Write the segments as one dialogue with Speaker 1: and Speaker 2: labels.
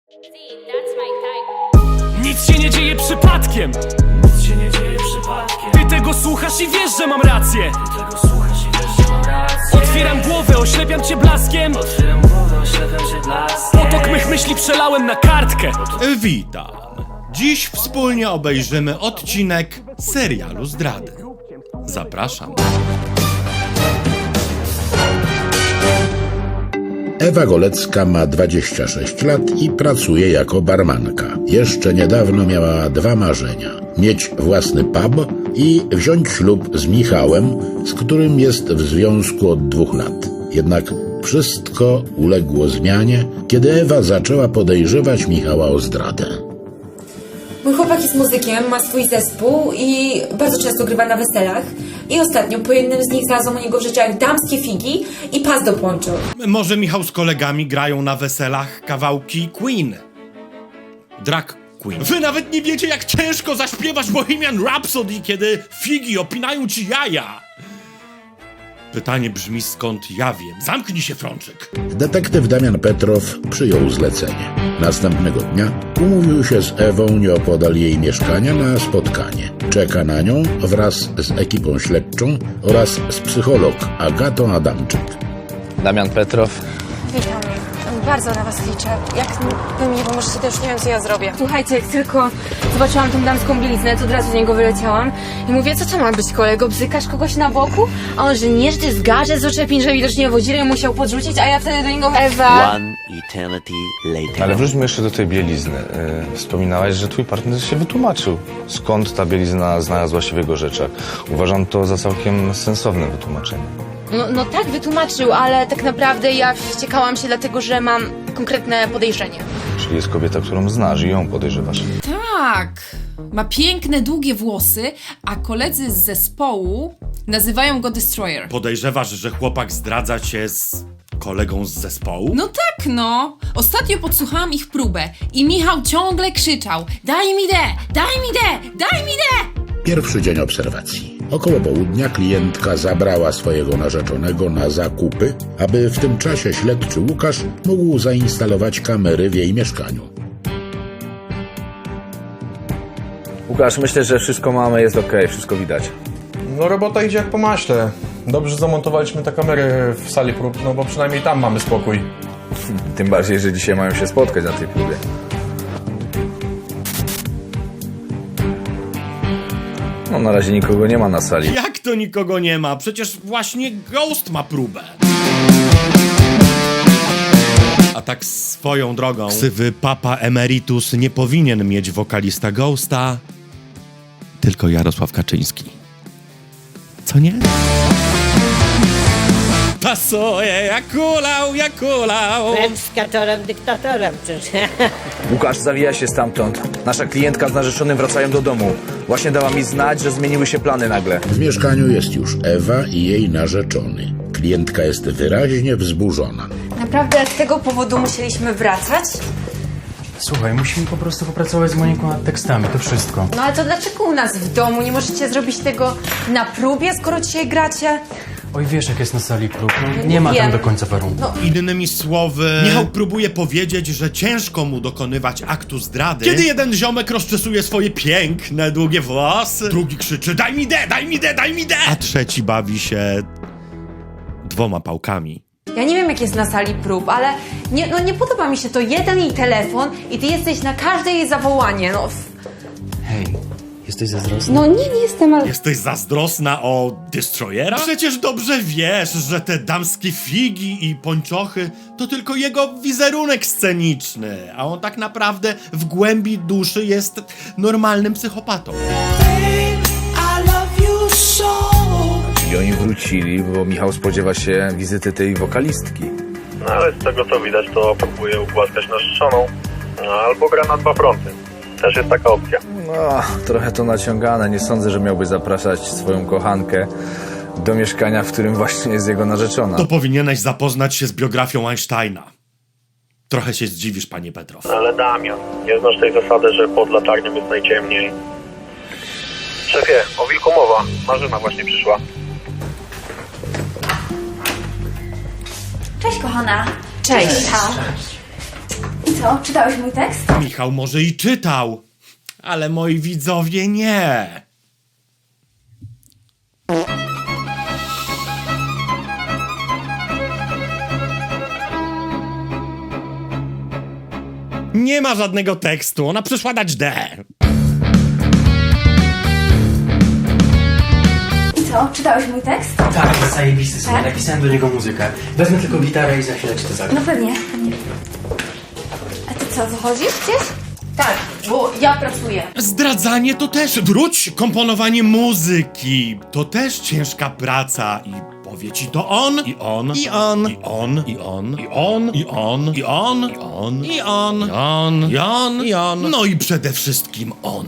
Speaker 1: Nic się nie dzieje przypadkiem.
Speaker 2: Nic się nie dzieje przypadkiem.
Speaker 1: Ty tego słuchasz i wiesz, że mam rację.
Speaker 2: Ty tego słuchasz i wiesz, że mam rację.
Speaker 1: Otwieram głowę, oślepiam cię blaskiem.
Speaker 2: Otwieram głowę, oślepiam cię blaskiem.
Speaker 1: Potok mych myśli przelałem na kartkę.
Speaker 3: Witam. Dziś wspólnie obejrzymy odcinek serialu Zdrady. Zapraszam.
Speaker 4: Ewa Golecka ma 26 lat i pracuje jako barmanka. Jeszcze niedawno miała dwa marzenia. Mieć własny pub i wziąć ślub z Michałem, z którym jest w związku od 2 lat. Jednak wszystko uległo zmianie, kiedy Ewa zaczęła podejrzewać Michała o zdradę.
Speaker 5: Mój chłopak jest muzykiem, ma swój zespół i bardzo często grywa na weselach. I ostatnio po jednym z nich znalazłam u niego w rzeczach damskie figi i pas do pończoch.
Speaker 3: Może Michał z kolegami grają na weselach kawałki Queen. Drag Queen. Wy nawet nie wiecie, jak ciężko zaśpiewać Bohemian Rhapsody, kiedy figi opinają ci jaja. Pytanie brzmi, skąd ja wiem. Zamknij się, Frączyk.
Speaker 4: Detektyw Damian Petrow przyjął zlecenie. Następnego dnia umówił się z Ewą nieopodal jej mieszkania na spotkanie. Czeka na nią wraz z ekipą śledczą oraz z psycholog Agatą Adamczyk.
Speaker 6: Damian Petrow.
Speaker 7: Witam. Bardzo na was liczę. Jak wy mi nie pomożecie, to już nie wiem, co ja zrobię.
Speaker 5: Słuchajcie, jak tylko zobaczyłam tą damską bieliznę, to od razu z niego wyleciałam. I mówię, co to ma być, kolego? Bzykasz kogoś na boku? A on, że nie, że ty zgarzę z oczepin, że widocznie wodzirem musiał podrzucić, a ja wtedy do niego, Ewa...
Speaker 8: One eternity later.
Speaker 6: Ale wróćmy jeszcze do tej bielizny. Wspominałaś, że twój partner się wytłumaczył. Skąd ta bielizna znalazła się w jego rzeczach? Uważam to za całkiem sensowne wytłumaczenie.
Speaker 5: No tak, wytłumaczył, ale tak naprawdę ja wściekałam się dlatego, że mam konkretne podejrzenie.
Speaker 6: Czyli jest kobieta, którą znasz i ją podejrzewasz.
Speaker 9: Tak, ma piękne, długie włosy, a koledzy z zespołu nazywają go Destroyer.
Speaker 3: Podejrzewasz, że chłopak zdradza cię z kolegą z zespołu?
Speaker 9: No tak, no. Ostatnio podsłuchałam ich próbę i Michał ciągle krzyczał: daj mi daj mi daj mi
Speaker 4: Pierwszy dzień obserwacji. Około południa klientka zabrała swojego narzeczonego na zakupy, aby w tym czasie śledczy Łukasz mógł zainstalować kamery w jej mieszkaniu.
Speaker 6: Łukasz, myślę, że wszystko mamy, jest okej, wszystko widać.
Speaker 10: No robota idzie jak po maśle. Dobrze zamontowaliśmy te kamery w sali prób, no bo przynajmniej tam mamy spokój.
Speaker 6: Tym bardziej, że dzisiaj mają się spotkać na tej próbie. No na razie nikogo nie ma na sali.
Speaker 3: Jak to nikogo nie ma? Przecież właśnie Ghost ma próbę. A tak swoją drogą, ksywy Papa Emeritus nie powinien mieć wokalista Ghosta, tylko Jarosław Kaczyński. Co nie? Pasuje, jak kulał.
Speaker 8: Skatorem, dyktatorem.
Speaker 6: Łukasz, zawija się stamtąd. Nasza klientka z narzeczonym wracają do domu. Właśnie dała mi znać, że zmieniły się plany nagle.
Speaker 4: W mieszkaniu jest już Ewa i jej narzeczony. Klientka jest wyraźnie wzburzona.
Speaker 5: Naprawdę z tego powodu musieliśmy wracać?
Speaker 2: Słuchaj, musimy po prostu popracować z Moniką nad tekstami, to wszystko.
Speaker 5: No ale to dlaczego u nas w domu? Nie możecie zrobić tego na próbie, skoro dzisiaj gracie?
Speaker 2: Oj, wiesz, jak jest na sali prób. No, nie ma
Speaker 5: Wiem.
Speaker 2: tam do końca warunków.
Speaker 3: Innymi słowy, Michał próbuje powiedzieć, że ciężko mu dokonywać aktu zdrady, kiedy jeden ziomek rozczesuje swoje piękne, długie włosy, drugi krzyczy: daj mi daj mi, a trzeci bawi się 2 pałkami.
Speaker 5: Ja nie wiem, jak jest na sali prób, ale nie podoba mi się to. Jeden jej telefon i ty jesteś na każde jej zawołanie.
Speaker 2: Hej, jesteś zazdrosny?
Speaker 5: No nie jestem, ale...
Speaker 3: Jesteś zazdrosna o Destroyera? Przecież dobrze wiesz, że te damskie figi i pończochy to tylko jego wizerunek sceniczny, a on tak naprawdę w głębi duszy jest normalnym psychopatą.
Speaker 6: I oni wrócili, bo Michał spodziewa się wizyty tej wokalistki.
Speaker 10: No ale z tego co widać, to próbuje ugłaskać narzeczoną. No, albo gra na 2 fronty. Też jest taka opcja.
Speaker 6: No, trochę to naciągane. Nie sądzę, że miałby zapraszać swoją kochankę do mieszkania, w którym właśnie jest jego narzeczona.
Speaker 3: To powinieneś zapoznać się z biografią Einsteina. Trochę się zdziwisz, panie Petrow.
Speaker 10: Ale Damian, nie znasz tej zasady, że pod latarnią jest najciemniej. Szefie, o wilku mowa. Marzyna właśnie przyszła.
Speaker 5: Cześć, kochana. Cześć.
Speaker 7: co? Czytałeś mój tekst?
Speaker 3: Michał może i czytał, ale moi widzowie nie. Nie ma żadnego tekstu, ona przyszła dać D.
Speaker 7: I co? Czytałeś mój tekst?
Speaker 2: Tak, jest zajebisty sobie.
Speaker 7: Tak?
Speaker 2: Napisałem do niego muzykę. Wezmę tylko gitarę i za chwilę ci to zagram.
Speaker 7: No pewnie. A ty co, wychodzisz gdzieś?
Speaker 5: Tak, bo ja pracuję.
Speaker 3: Zdradzanie to też, wróć, komponowanie muzyki. To też ciężka praca i powie ci to on, i on, i on, i on, i on, i on, i on, i on, i on, i on, i on, i on, i on, no i przede wszystkim on.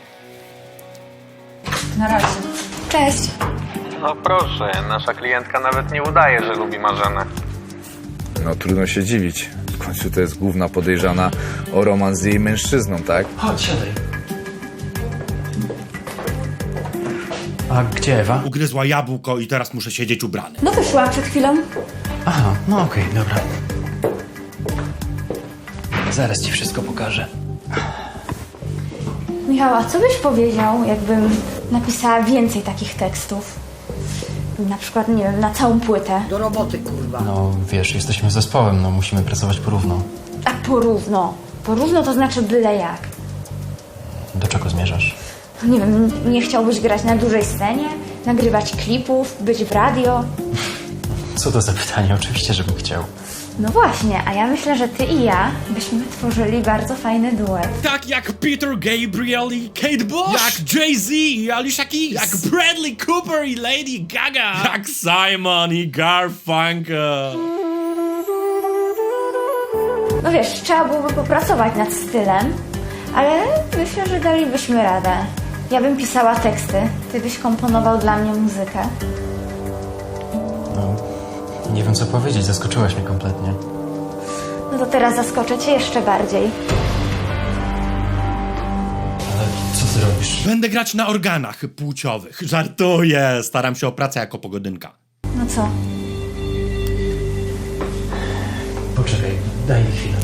Speaker 5: Na razie.
Speaker 7: Cześć.
Speaker 10: No proszę, nasza klientka nawet nie udaje, że lubi Marzenę.
Speaker 6: No trudno się dziwić. W końcu to jest główna podejrzana o romans z jej mężczyzną, tak?
Speaker 2: Chodź, siadaj. A gdzie Ewa?
Speaker 3: Ugryzła jabłko i teraz muszę siedzieć ubrany.
Speaker 7: No wyszła przed chwilą.
Speaker 2: Aha, no okej, dobra. Zaraz ci wszystko pokażę.
Speaker 7: Michał, a co byś powiedział, jakbym napisała więcej takich tekstów? Na przykład, nie wiem, na całą płytę.
Speaker 2: No wiesz, jesteśmy zespołem, no musimy pracować porówno.
Speaker 7: A porówno. Porówno to znaczy byle jak.
Speaker 2: Do czego zmierzasz?
Speaker 7: Nie wiem, nie chciałbyś grać na dużej scenie? Nagrywać klipów? Być w radio?
Speaker 2: Co to za pytanie? Oczywiście, żebym chciał.
Speaker 7: No właśnie, a ja myślę, że ty i ja byśmy tworzyli bardzo fajny duet.
Speaker 3: Tak jak Peter Gabriel i Kate Bush. Jak Jay-Z i Alicia Keys. Jak Bradley Cooper i Lady Gaga. Jak Simon i Garfunkel.
Speaker 7: No wiesz, trzeba byłoby popracować nad stylem, ale myślę, że dalibyśmy radę. Ja bym pisała teksty, ty byś komponował dla mnie muzykę.
Speaker 2: Nie wiem co powiedzieć, zaskoczyłaś mnie kompletnie.
Speaker 7: No to teraz zaskoczę cię jeszcze bardziej.
Speaker 2: Ale co ty robisz?
Speaker 3: Będę grać na organach płciowych. Żartuję, staram się o pracę jako pogodynka.
Speaker 7: No co?
Speaker 2: Poczekaj, daj mi chwilę.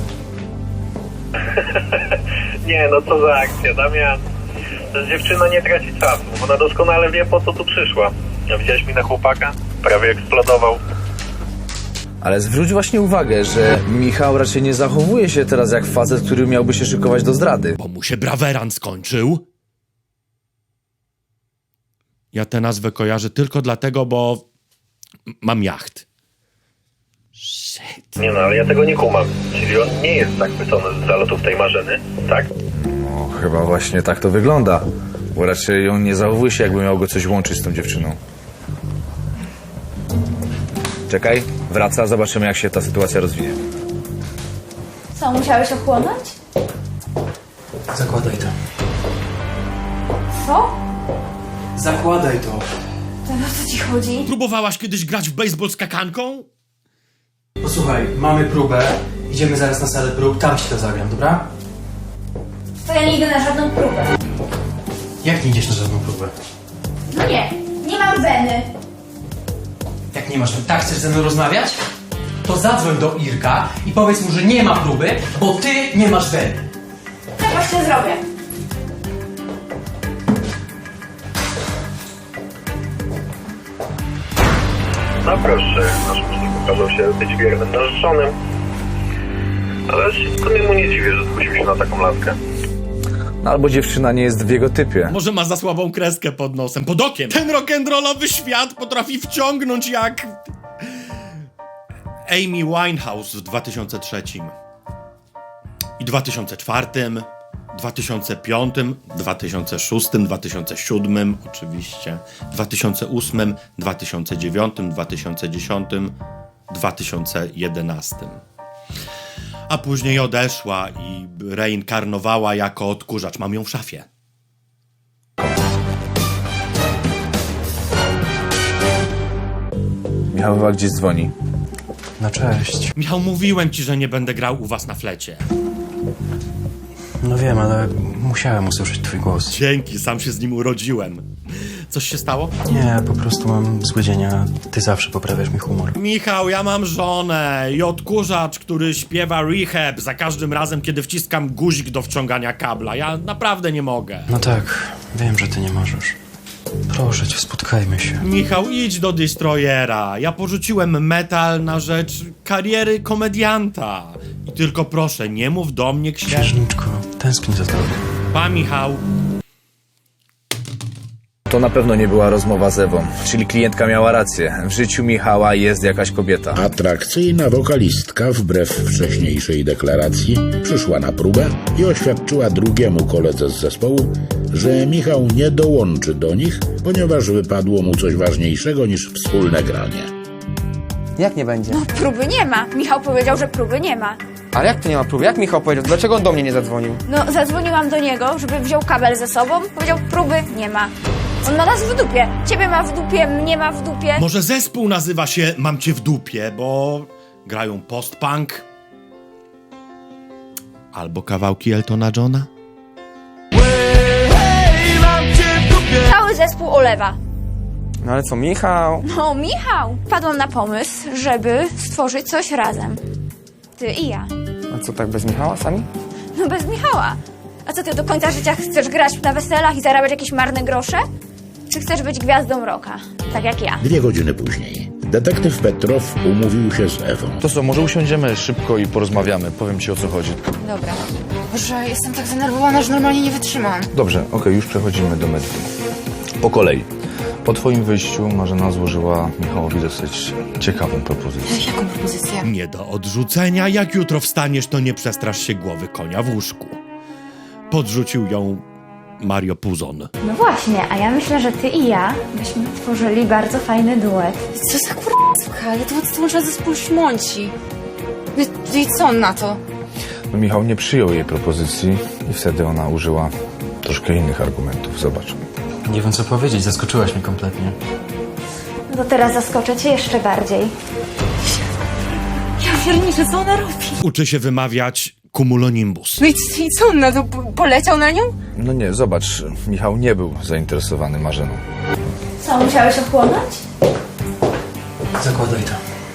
Speaker 10: Nie, no co za akcja, Damian. Ta dziewczyna nie traci czasu, ona doskonale wie, po co tu przyszła. A widziałeś mi na chłopaka? Prawie eksplodował.
Speaker 6: Ale zwróć właśnie uwagę, że Michał raczej nie zachowuje się teraz jak facet, który miałby się szykować do zdrady.
Speaker 3: Bo mu się braweran skończył. Ja tę nazwę kojarzę tylko dlatego, bo mam jacht.
Speaker 10: Nie no, ale ja tego nie kumam. Czyli on nie jest zachwycony z zalotów tej Marzeny, tak?
Speaker 6: No, chyba właśnie tak to wygląda. Bo raczej on nie zachowuje się, jakby miał go coś łączyć z tą dziewczyną. Czekaj, wraca, zobaczymy jak się ta sytuacja rozwinie.
Speaker 7: Co, musiałeś ochłonąć?
Speaker 2: Zakładaj to.
Speaker 7: Co?
Speaker 2: Zakładaj to.
Speaker 7: To o co ci chodzi?
Speaker 3: Próbowałaś kiedyś grać w baseball z kakanką?
Speaker 2: Posłuchaj, mamy próbę. Idziemy zaraz na salę prób, tam ci to zagram, dobra?
Speaker 7: To ja nie idę na żadną próbę.
Speaker 2: Jak nie idziesz na żadną próbę?
Speaker 7: No nie, nie mam weny.
Speaker 2: Jak nie masz, tak chcesz ze mną rozmawiać? To zadzwoń do Irka i powiedz mu, że nie ma próby, bo ty nie masz weny.
Speaker 7: Tak właśnie zrobię.
Speaker 10: No proszę, nasz muzyk okazał się być wiernym narzeczonym. Ale w sumie mu nie dziwię, że zgłosił się na taką laskę.
Speaker 6: No albo dziewczyna nie jest w jego typie.
Speaker 3: Może ma za słabą kreskę pod nosem, pod okiem. Ten rock'n'rollowy świat potrafi wciągnąć jak Amy Winehouse w 2003 i 2004, 2005, 2006, 2007 oczywiście, 2008, 2009, 2010, 2011. A później odeszła i reinkarnowała jako odkurzacz. Mam ją w szafie.
Speaker 6: Michał chyba gdzieś dzwoni.
Speaker 2: No cześć.
Speaker 3: Michał, mówiłem ci, że nie będę grał u was na flecie.
Speaker 2: No wiem, ale musiałem usłyszeć twój głos.
Speaker 3: Dzięki, sam się z nim urodziłem. Coś się stało?
Speaker 11: Nie, po prostu mam zły dzień, a ty zawsze poprawiasz mi humor.
Speaker 3: Michał, ja mam żonę i odkurzacz, który śpiewa Rehab za każdym razem, kiedy wciskam guzik do wciągania kabla. Ja naprawdę nie mogę.
Speaker 11: No tak, wiem, że ty nie możesz. Proszę cię, spotkajmy się.
Speaker 3: Michał, idź do Destroyera. Ja porzuciłem metal na rzecz kariery komedianta. I tylko proszę, nie mów do mnie
Speaker 11: Księżniczko, tęsknię za tobą.
Speaker 3: Pa, Michał.
Speaker 12: To na pewno nie była rozmowa z Ewą, czyli klientka miała rację. W życiu Michała jest jakaś kobieta.
Speaker 4: Atrakcyjna wokalistka, wbrew wcześniejszej deklaracji, przyszła na próbę i oświadczyła drugiemu koledze z zespołu, że Michał nie dołączy do nich, ponieważ wypadło mu coś ważniejszego niż wspólne granie.
Speaker 2: Jak nie będzie?
Speaker 7: No próby nie ma. Michał powiedział, że próby nie ma.
Speaker 2: Ale jak to nie ma próby? Jak Michał powiedział? Dlaczego on do mnie nie zadzwonił?
Speaker 7: No zadzwoniłam do niego, żeby wziął kabel ze sobą. Powiedział, próby nie ma. On ma nas w dupie. Ciebie ma w dupie, mnie ma w dupie.
Speaker 3: Może zespół nazywa się Mam Cię w dupie, bo grają post-punk albo kawałki Eltona Johna?
Speaker 7: Cały zespół olewa.
Speaker 2: No ale co, Michał?
Speaker 7: No Michał. Wpadłam na pomysł, żeby stworzyć coś razem. Ty i ja.
Speaker 2: A co, tak bez Michała sami?
Speaker 7: No bez Michała. A co ty do końca życia chcesz grać na weselach i zarabiać jakieś marne grosze? Czy chcesz być gwiazdą rocka? Tak jak ja.
Speaker 4: 2 godziny później detektyw Petrow umówił się z Ewą.
Speaker 6: To co, może usiądziemy szybko i porozmawiamy. Powiem ci, o co chodzi.
Speaker 5: Dobra. Boże, jestem tak zdenerwowana, że normalnie nie wytrzymam.
Speaker 6: Dobrze, okej, już przechodzimy do meritum. Po kolei. Po twoim wyjściu Marzena złożyła Michałowi dosyć ciekawą propozycję.
Speaker 5: Jaką propozycję?
Speaker 3: Nie do odrzucenia. Jak jutro wstaniesz, to nie przestrasz się głowy konia w łóżku. Podrzucił ją Mario Puzon.
Speaker 7: No właśnie, a ja myślę, że ty i ja byśmy tworzyli bardzo fajny duet.
Speaker 5: Co za kurwa, ja to odtworzę zespół Szmonci. I co on na to?
Speaker 6: No, Michał nie przyjął jej propozycji i wtedy ona użyła troszkę innych argumentów. Zobacz.
Speaker 11: Nie wiem co powiedzieć, zaskoczyłaś mnie kompletnie.
Speaker 7: No to teraz zaskoczę cię jeszcze bardziej.
Speaker 5: Ja pierniczę, co ona robi?
Speaker 3: Uczy się wymawiać cumulonimbus.
Speaker 5: No i co on na to? Poleciał na nią?
Speaker 6: No nie, zobacz, Michał nie był zainteresowany Marzeną.
Speaker 7: Co, musiałeś ochłonąć?
Speaker 11: Zakładaj to.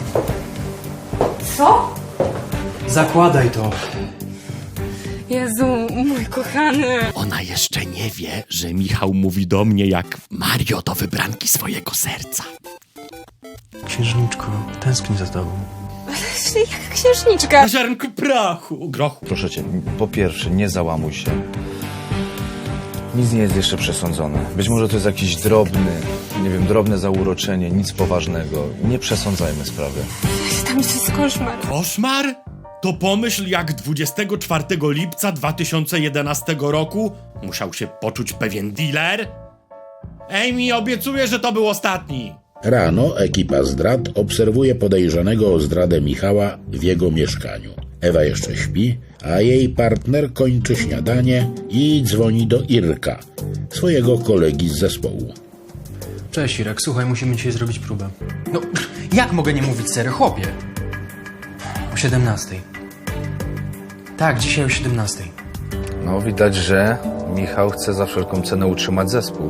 Speaker 7: Co?
Speaker 11: Zakładaj to.
Speaker 5: Jezu, mój kochany.
Speaker 3: Ona jeszcze nie wie, że Michał mówi do mnie jak Mario do wybranki swojego serca.
Speaker 11: Księżniczko, tęsknię za tobą.
Speaker 5: Jak księżniczka.
Speaker 3: Na ziarnku prochu, grochu.
Speaker 6: Proszę cię, po pierwsze, nie załamuj się. Nic nie jest jeszcze przesądzone. Być może to jest jakiś drobne zauroczenie, nic poważnego. Nie przesądzajmy sprawy.
Speaker 5: Tam jest koszmar.
Speaker 3: Koszmar? To pomyśl, jak 24 lipca 2011 roku musiał się poczuć pewien dealer. Amy, obiecuję, że to był ostatni.
Speaker 4: Rano ekipa zdrad obserwuje podejrzanego o zdradę Michała w jego mieszkaniu. Ewa jeszcze śpi, a jej partner kończy śniadanie i dzwoni do Irka, swojego kolegi z zespołu.
Speaker 11: Cześć Irek, słuchaj, musimy dzisiaj zrobić próbę. No, jak mogę nie mówić serio, chłopie? O 17:00. Tak, dzisiaj o 17:00.
Speaker 6: No, widać, że Michał chce za wszelką cenę utrzymać zespół.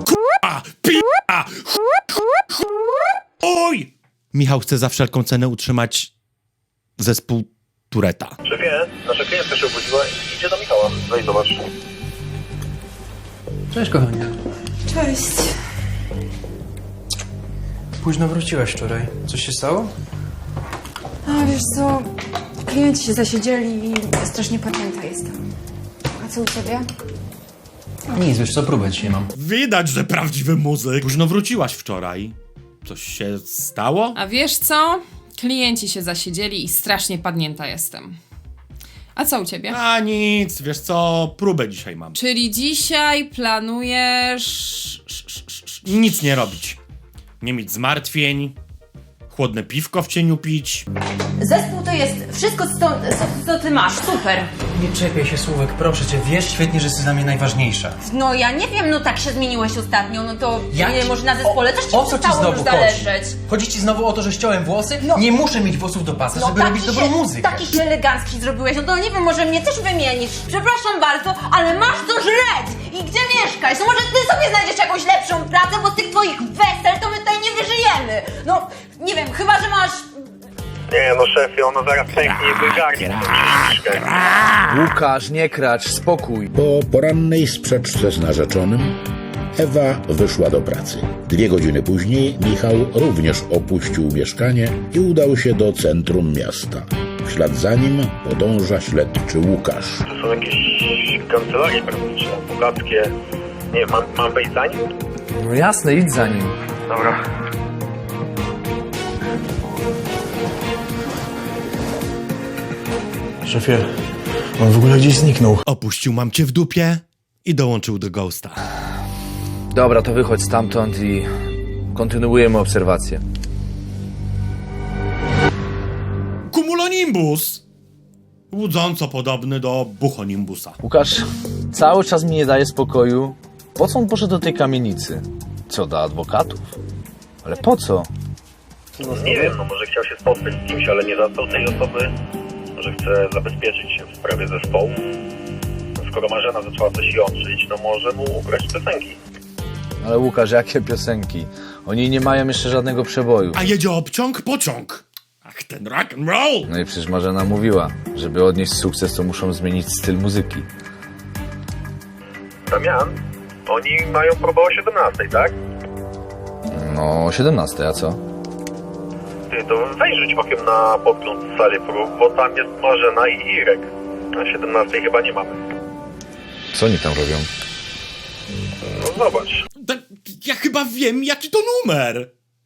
Speaker 3: Oj! Michał chce za wszelką cenę utrzymać zespół Tureta.
Speaker 10: Szefie, nasza klientka się obudziła i idzie do Michała. Weź zobacz.
Speaker 11: Cześć kochanie.
Speaker 5: Cześć.
Speaker 11: Późno wróciłaś wczoraj. Coś się stało?
Speaker 5: A wiesz co, klienci się zasiedzieli i strasznie pamięta jestem. A co u ciebie?
Speaker 11: Nic, wiesz co, próbę dzisiaj mam.
Speaker 3: Widać, że prawdziwy muzyk. Późno wróciłaś wczoraj. Coś się stało?
Speaker 9: A wiesz co? Klienci się zasiedzieli i strasznie padnięta jestem. A co u ciebie?
Speaker 3: A nic, wiesz co, próbę dzisiaj mam.
Speaker 9: Czyli dzisiaj planujesz...
Speaker 3: Nic nie robić. Nie mieć zmartwień. Chłodne piwko w cieniu pić.
Speaker 5: Zespół to jest wszystko, co ty masz. Super.
Speaker 11: Nie czepiaj się słówek, proszę cię, wiesz świetnie, że jesteś dla mnie najważniejsza.
Speaker 5: No ja nie wiem, no tak się zmieniłeś ostatnio, no to
Speaker 11: Jak?
Speaker 5: nie, może na zespole też ci
Speaker 11: O co ci
Speaker 5: przestało już
Speaker 11: znowu chodzi?
Speaker 5: zależeć.
Speaker 11: Chodzi ci znowu o to, że ściąłem włosy?
Speaker 5: No.
Speaker 11: Nie muszę mieć włosów do pasa, żeby robić dobrą muzykę.
Speaker 5: Taki się elegancki zrobiłeś, no to nie wiem, może mnie też wymienisz. Przepraszam bardzo, ale masz co żreć I gdzie mieszkać? No może ty sobie znajdziesz jakąś lepszą pracę, bo z tych twoich wesel to my tutaj nie wyżyjemy. No, nie wiem, chyba że masz...
Speaker 10: Nie no szefie, ona zaraz pęknie i wygarnie tą księżniczkę.
Speaker 12: Łukasz, nie kracz, spokój.
Speaker 4: Po porannej sprzeczce z narzeczonym Ewa wyszła do pracy. 2 godziny później Michał również opuścił mieszkanie i udał się do centrum miasta. W ślad za nim podąża śledczy Łukasz.
Speaker 10: To są jakieś kancelarie prawnicze, bogackie. Nie, mam wejść za nim?
Speaker 12: No jasne, idź za nim.
Speaker 10: Dobra.
Speaker 13: Szefie, on w ogóle gdzieś zniknął.
Speaker 3: Opuścił mam cię w dupie i dołączył do Ghosta.
Speaker 12: Dobra, to wychodź stamtąd i kontynuujemy obserwację.
Speaker 3: Cumulonimbus! Łudząco podobny do Buchonimbusa.
Speaker 12: Łukasz, cały czas mi nie daje spokoju. Po co on poszedł do tej kamienicy? Co, do adwokatów? Ale po co?
Speaker 10: Nie wiem, no może chciał się spotkać z kimś, ale nie zastał tej osoby. Może chce zabezpieczyć się w sprawie zespołu. Skoro Marzena zaczęła coś jątrzyć, no może mu ugrać piosenki.
Speaker 12: Ale Łukasz, jakie piosenki? Oni nie mają jeszcze żadnego przeboju.
Speaker 3: A jedzie obciąg, pociąg. Ach, ten rock and roll!
Speaker 12: No i przecież Marzena mówiła, żeby odnieść sukces, to muszą zmienić styl muzyki.
Speaker 10: Damian, oni mają próbę o 17, tak?
Speaker 12: No, 17, a co?
Speaker 10: Ty, to weź rzuć okiem na podgląd sali prób, bo tam jest Marzena i Irek. Na 17 chyba nie mamy.
Speaker 12: Co oni tam robią?
Speaker 10: No zobacz.
Speaker 3: Ja chyba wiem, jaki to numer.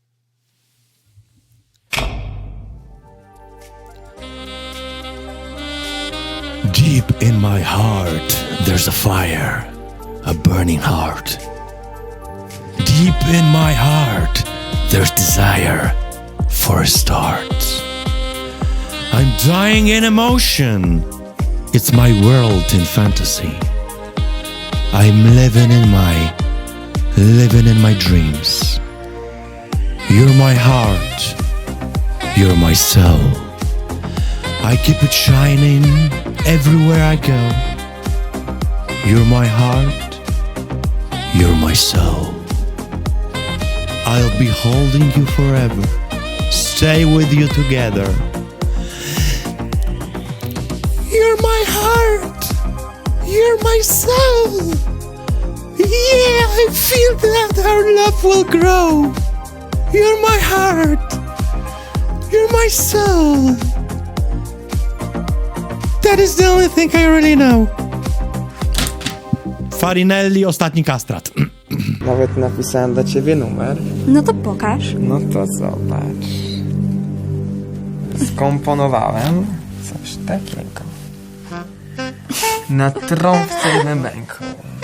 Speaker 3: Deep in my heart, there's a fire, a burning heart. Deep in my heart, there's desire for a start. I'm dying in emotion. It's my world in fantasy. I'm living in my dreams. You're my heart. You're my soul. I keep it shining everywhere I go. You're my heart. You're my soul. I'll be holding you forever. Stay with you together. You're my heart. You're my soul. Yeah, I feel that our love will grow. You're my heart. You're my soul. That is the only thing I really know. Farinelli, ostatni kastrat.
Speaker 11: Nawet napisałem dla ciebie numer.
Speaker 7: No to pokaż.
Speaker 11: No to zobacz. Skomponowałem coś takiego. Na trąbce i bębenku.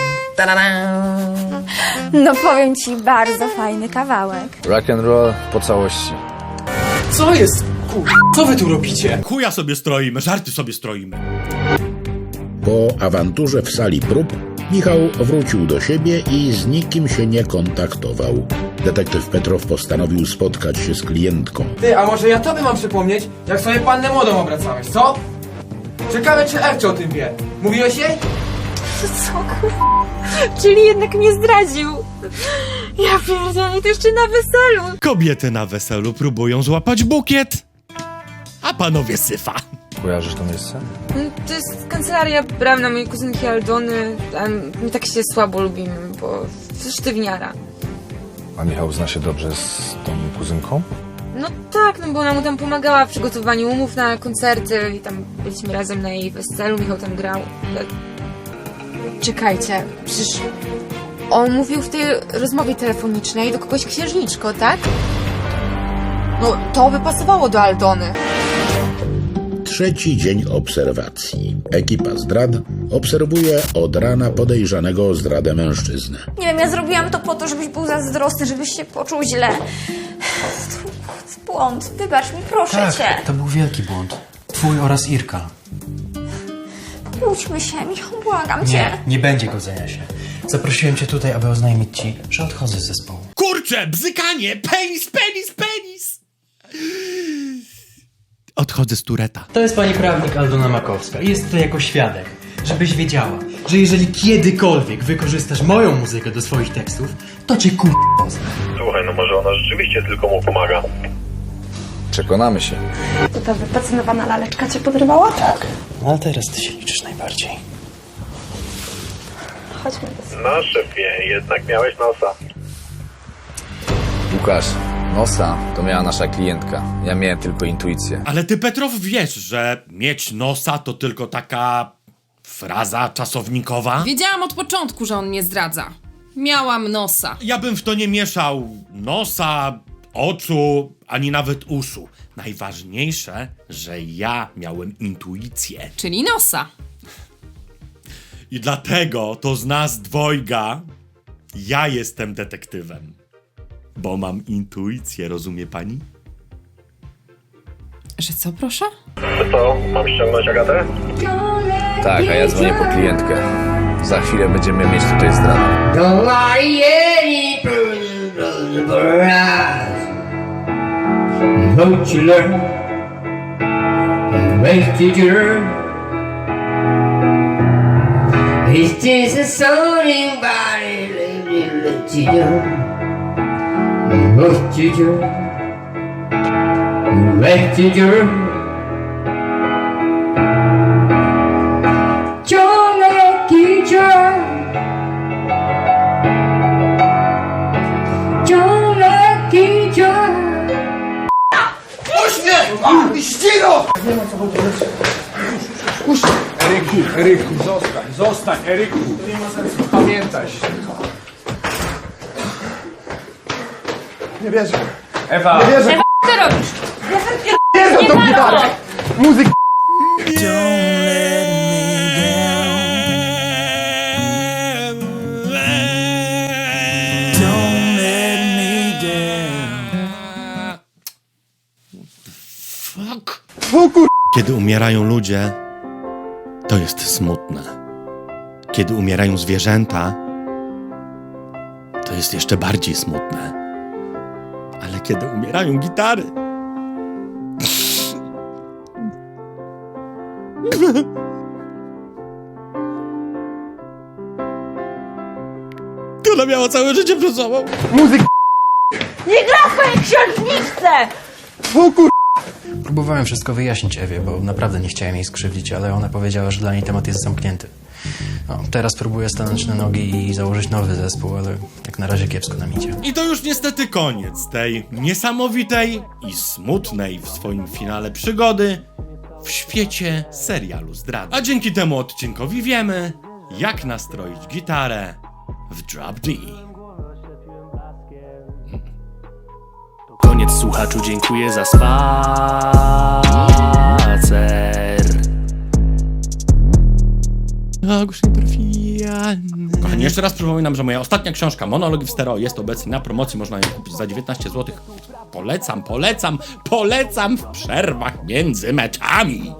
Speaker 7: No powiem ci, bardzo fajny kawałek.
Speaker 12: Rock and roll po całości.
Speaker 11: Co jest? Co wy tu robicie?
Speaker 3: Chuja sobie stroimy, żarty sobie stroimy.
Speaker 4: Po awanturze w sali prób Michał wrócił do siebie i z nikim się nie kontaktował. Detektyw Petrow postanowił spotkać się z klientką.
Speaker 11: Ty, a może ja tobie mam przypomnieć, jak sobie pannę młodą obracałeś, co? Ciekawe, czy Ewcio o tym wie. Mówiłeś jej?
Speaker 5: Co Czyli jednak mnie zdradził. Ja pierdolę, to jeszcze na weselu.
Speaker 3: Kobiety na weselu próbują złapać bukiet, a panowie syfa.
Speaker 12: Kojarzysz to miejsce?
Speaker 5: To jest kancelaria prawna mojej kuzynki Aldony. My tak się słabo lubimy, bo sztywniara.
Speaker 6: A Michał zna się dobrze z tą kuzynką?
Speaker 5: No tak, no bo ona mu tam pomagała w przygotowaniu umów na koncerty i tam byliśmy razem na jej weselu, Michał tam grał. Czekajcie, przecież on mówił w tej rozmowie telefonicznej do kogoś księżniczko, tak? No to by pasowało do Aldony.
Speaker 4: Trzeci dzień obserwacji. Ekipa zdrad obserwuje od rana podejrzanego o zdradę mężczyznę.
Speaker 7: Nie wiem, ja zrobiłam to po to, żebyś był zazdrosny, żebyś się poczuł źle. To jest błąd. Wybacz mi, proszę cię.
Speaker 11: To był wielki błąd. Twój oraz Irka.
Speaker 7: Kłóćmy się, Michał, błagam cię.
Speaker 11: Nie będzie godzenia się. Zaprosiłem cię tutaj, aby oznajmić ci, że odchodzę z zespołu.
Speaker 3: Kurczę, bzykanie, penis, penis, penis! Odchodzę z Tureta.
Speaker 11: To jest pani prawnik Aldona Makowska i jest tutaj jako świadek. Żebyś wiedziała, że jeżeli kiedykolwiek wykorzystasz moją muzykę do swoich tekstów, to cię poznam.
Speaker 10: Słuchaj, no może ona rzeczywiście tylko mu pomaga.
Speaker 6: Przekonamy się.
Speaker 5: To ta wypacynowana laleczka cię podrywała?
Speaker 11: Tak. No ale teraz ty się liczysz najbardziej.
Speaker 5: Chodźmy do sobie.
Speaker 10: No szefie, jednak miałeś nosa.
Speaker 6: Łukasz, nosa to miała nasza klientka. Ja miałem tylko intuicję.
Speaker 3: Ale ty, Petrow, wiesz, że mieć nosa to tylko taka fraza czasownikowa?
Speaker 9: Wiedziałam od początku, że on mnie zdradza. Miałam nosa.
Speaker 3: Ja bym w to nie mieszał nosa, oczu, ani nawet uszu. Najważniejsze, że ja miałem intuicję.
Speaker 9: Czyli nosa.
Speaker 3: I dlatego to z nas dwojga ja jestem detektywem. Bo mam intuicję, rozumie pani?
Speaker 9: Że co, proszę?
Speaker 10: To co, mam ściągnąć Agatę?
Speaker 6: Tak, a ja dzwonię po klientkę. Za chwilę będziemy mieć tutaj zdradę.
Speaker 2: Don't you learn? Wasted your It's just a sounding body let you do. Wasted your Wasted your ciągle kicia ciągle kicia.
Speaker 13: Eryku, zostań, Eryku. Pamiętaj się. Nie wierzę. Ewa. Nie wierzę.
Speaker 5: Co ty robisz?
Speaker 13: Wierzę tą gitarę. Muzyk.
Speaker 3: Fuck. Kiedy umierają ludzie, to jest smutne. Kiedy umierają zwierzęta, to jest jeszcze bardziej smutne. Ale kiedy umierają gitary... Ona miała całe życie przed sobą.
Speaker 13: Muzyk.
Speaker 5: Nie gra w swojej księżniczce!
Speaker 11: Próbowałem wszystko wyjaśnić Ewie, bo naprawdę nie chciałem jej skrzywdzić, ale ona powiedziała, że dla niej temat jest zamknięty. No, teraz próbuję stanąć na nogi i założyć nowy zespół, ale jak na razie kiepsko nam idzie.
Speaker 3: I to już niestety koniec tej niesamowitej i smutnej w swoim finale przygody w świecie serialu zdrady. A dzięki temu odcinkowi wiemy, jak nastroić gitarę w Drop D.
Speaker 1: Koniec, słuchaczu, dziękuję za spacer.
Speaker 3: Kochani, jeszcze raz przypominam, że moja ostatnia książka Monologi w stereo jest obecnie na promocji. Można ją kupić za 19 zł. Polecam w przerwach między meczami.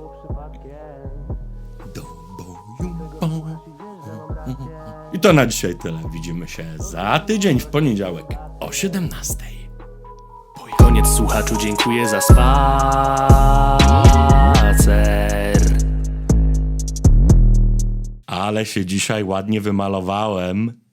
Speaker 3: I to na dzisiaj tyle. Widzimy się za tydzień w poniedziałek o 17.
Speaker 1: Koniec, słuchaczu, dziękuję za spacer.
Speaker 3: Ale się dzisiaj ładnie wymalowałem.